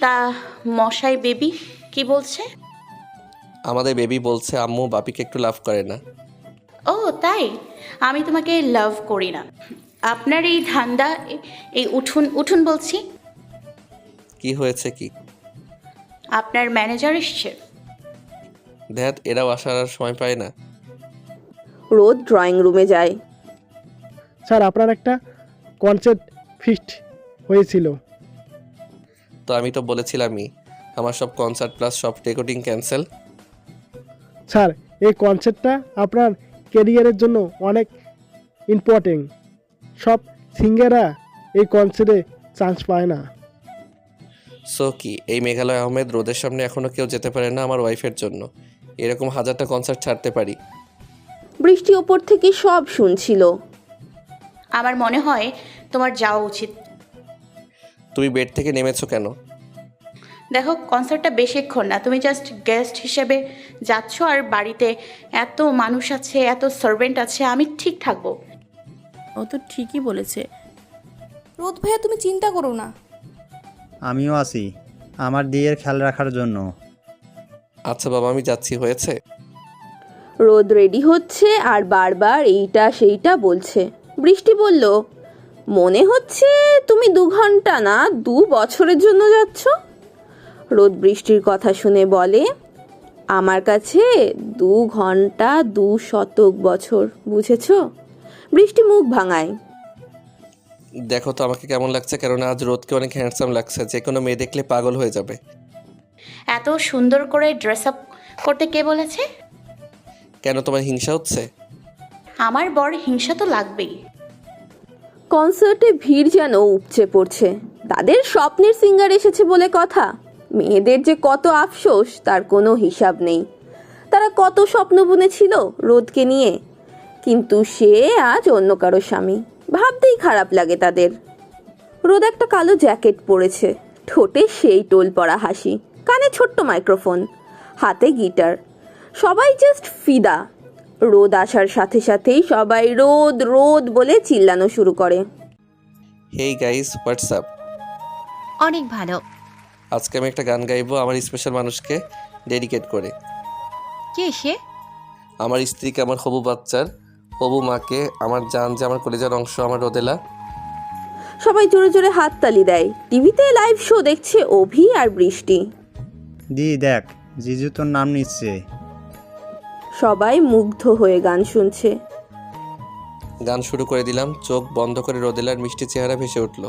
তা মশাই বেবি কি বলছে? আমাদের বেবি বলছে আম্মু বাপিকে একটু লাভ করে না। ও তাই? আমি তোমাকে লাভ করি না। আপনার এই ধান্দা, এই উঠুন উঠুন বলছি। কি হয়েছে কি? আপনার ম্যানেজার এসছে। ধ্যাত, এরাও আসার আর সময় পায় না। রোদ ড্রয়িং রুমে যায়। স্যার, আপনার একটা কনসার্ট ফিক্সড হয়েছিল। তো আমি তো বলেছিলামই আমার সব কনসার্ট প্লাস সব রেকর্ডিং ক্যান্সেল। স্যার, এই কনসার্টটা আপনার ক্যারিয়ারের জন্য অনেক ইম্পর্টেন্ট। সব সিঙ্গাররা এই কনসার্টে চান্স পায় না। সো কি এই মেঘালয় আহমেদ রোদের সামনে এখনও কেউ যেতে পারে না আমার ওয়াইফের জন্য? এরকম হাজারটা কনসার্ট ছাড়তে পারি। বৃষ্টি ওপর থেকে সব শুনছিল। আমার মনে হয় তোমার যাওয়া উচিত। তুমি বেড থেকে নেমেছো কেন? দেখো, কনসার্টটা বেশিক্ষণ না, তুমি জাস্ট গেস্ট হিসেবে যাচ্ছ, আর বাড়িতে এত মানুষ আছে, এত সার্ভেন্ট আছে, আমি ঠিক থাকবো। ও তো ঠিকই বলেছে। রোদ ভাইয়া, তুমি চিন্তা করো না। আমিও আছি আমার দিয়ের খেয়াল রাখার জন্য। আচ্ছা বাবা, আমি যাচ্ছি, হয়েছে। রোদ রেডি হচ্ছে আর বারবার এইটা সেইটা বলছে। বৃষ্টি বলল, মনে হচ্ছে তুমি 2 ঘন্টা না 2 বছরের জন্য যাচ্ছ। রোদ বৃষ্টির কথা শুনে বলে, আমার কাছে 2 ঘন্টা 2 শতক বছর, বুঝেছ? বৃষ্টি মুখ ভাঙায়। দেখো তো আমাকে কেমন লাগছে, কেননা আজ রোদকে অনেক হ্যান্ডসাম লাগছে, যে কোনো মেয়ে দেখলে পাগল হয়ে যাবে। এত সুন্দর করে ড্রেস আপ করতে কে বলেছে? কেন, তোমার হিংসা হচ্ছে? আমার বর হিংসা তো লাগবেই। কনসার্টে ভিড় যেন উপচে পড়ছে। তাদের স্বপ্নের সিঙ্গার এসেছে বলে কথা। মেয়েদের যে কত আফসোস তার কোনো হিসাব নেই। তারা কত স্বপ্ন বুনেছিল রোদকে নিয়ে, কিন্তু সে আজ অন্য কারো স্বামী। ভাবতেই খারাপ লাগে তাদের। রোদ একটা কালো জ্যাকেট পরেছে, ঠোঁটে সেই টোল পড়া হাসি, কানে ছোট্ট মাইক্রোফোন, হাতে গিটার। সবাই জাস্ট ফিদা। রোদ আসার সাথে সাথেই সবাই রোদ রোদ বলে চিল্লানো শুরু করে। Hey guys, WhatsApp. অনেক ভালো। আজকে আমি একটা গান গাইবো আমার স্পেশাল মানুষকে ডেডিকেট করে। কে সে? আমার স্ত্রীকে, আমার হবু বাচ্চার হবু মাকে, আমার জান যে আমার কলেজার অংশ, আমার রোদেলা। সবাই জোরে জোরে হাততালি দেয়। টিভিতে লাইভ শো দেখছে অভি আর বৃষ্টি। দেখ, জিজু তোর নাম নিচ্ছে। সবাই মুগ্ধ হয়ে গান শুনছে। গান শুরু করে দিলাম, চোখ বন্ধ করে রোদেলার মিষ্টি চেহারা ভেসে উঠল।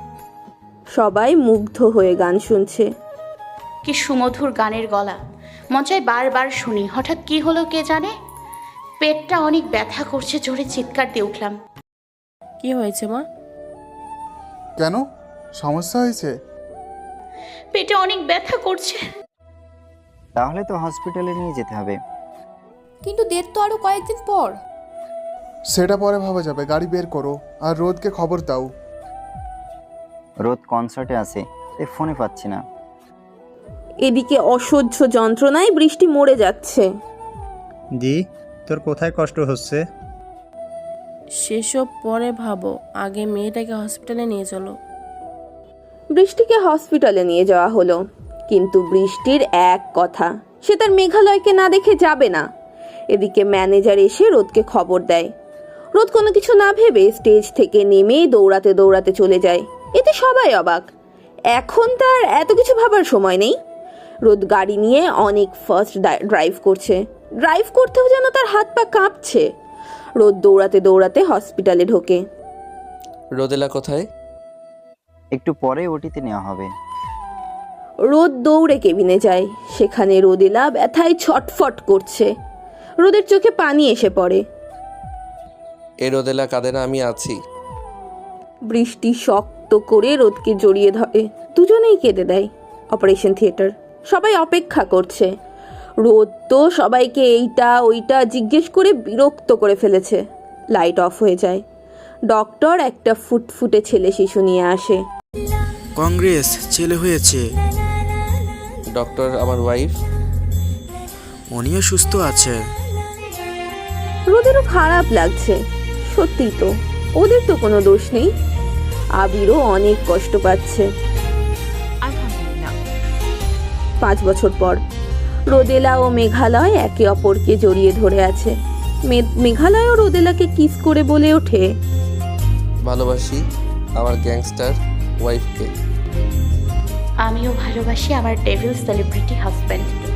সবাই মুগ্ধ হয়ে গান শুনছে। কি সুমধুর গানের গলা, মন চায় বারবার শুনি। হঠাৎ কি হলো কে জানে, পেটটা অনেক ব্যথা করছে, জোরে চিৎকার দিয়ে উঠলাম। কি হয়েছে মা? কেন, সমস্যা হয়েছে? পেটে অনেক ব্যথা করছে। তাহলে তো হসপিটালে নিয়ে যেতে হবে। কিন্তু ডেট তো আরো কয়েকদিন পর। সেটা পরে ভাবা যাবে, গাড়ি বের করো আর রোদকে খবর দাও। রোদ কনসার্টে আছে, তাই ফোনে পাচ্ছি না। এদিকে অসহ্য যন্ত্রণায় বৃষ্টি মরে যাচ্ছে। তোর কোথায় কষ্ট হচ্ছে? সেসব পরে ভাবো, আগে মেয়েটাকে হসপিটালে নিয়ে চলো। বৃষ্টিকে হসপিটালে নিয়ে যাওয়া হলো, কিন্তু বৃষ্টির এক কথা, সে তার মেঘালয়কে না দেখে যাবে না। এদিকে ম্যানেজার এসে রোদকে খবর দেয়। রোদ কোনো কিছু না ভেবে স্টেজ থেকে নেমে দৌড়াতে দৌড়াতে চলে যায়। এতে সবাই অবাক। এখন তার এত কিছু ভাবার সময় নেই। রোদ গাড়ি নিয়ে অনেক ফাস্ট ড্রাইভ করছে। ড্রাইভ করতেও যেন তার হাত পা কাঁপছে। রোদ দৌড়াতে দৌড়াতে হসপিটালে ঢোকে। রোদেলা কোথায়? একটু পরে ওটিতে নেওয়া হবে। রোদ দৌড়ে কেবিনে যায়। সেখানে রোদেলা ব্যথায় ছটফট করছে। রোদের চোখে পানি এসে পড়ে। এ রোদেলা কাঁদে না, আমি আছি। বৃষ্টি শক্ত করে রোদকে জড়িয়ে ধরে। দুজনেই কেঁদে দেয়। Operation theatre. সবাই অপেক্ষা করছে। রোদ তো সবাইকে এইটা ওইটা জিজ্ঞেস করে বিরক্ত করে ফেলেছে। লাইট অফ হয়ে যায়। ডক্টর একটা ফুটফুটে ছেলে শিশু নিয়ে আসে। কংগ্রেস, ছেলে হয়েছে। ডক্টর, আমার ওয়াইফ? উনিও সুস্থ আছে। রোদেরও খারাপ লাগছে। সত্যি তো, ওদের তো কোনো দোষ নেই। আবিরও অনেক কষ্ট পাচ্ছে। আলহামদুলিল্লাহ, 5 বছর পর রোদেলা ও মেঘালয় একে অপরকে জড়িয়ে ধরে আছে। মেঘালয়ও রোদেলাকে কিস করে বলে ওঠে, ভালোবাসি আমার গ্যাংস্টার ওয়াইফকে। আমিও ভালোবাসি আমার ডেভিল সেলিব্রিটি হাজব্যান্ডকে।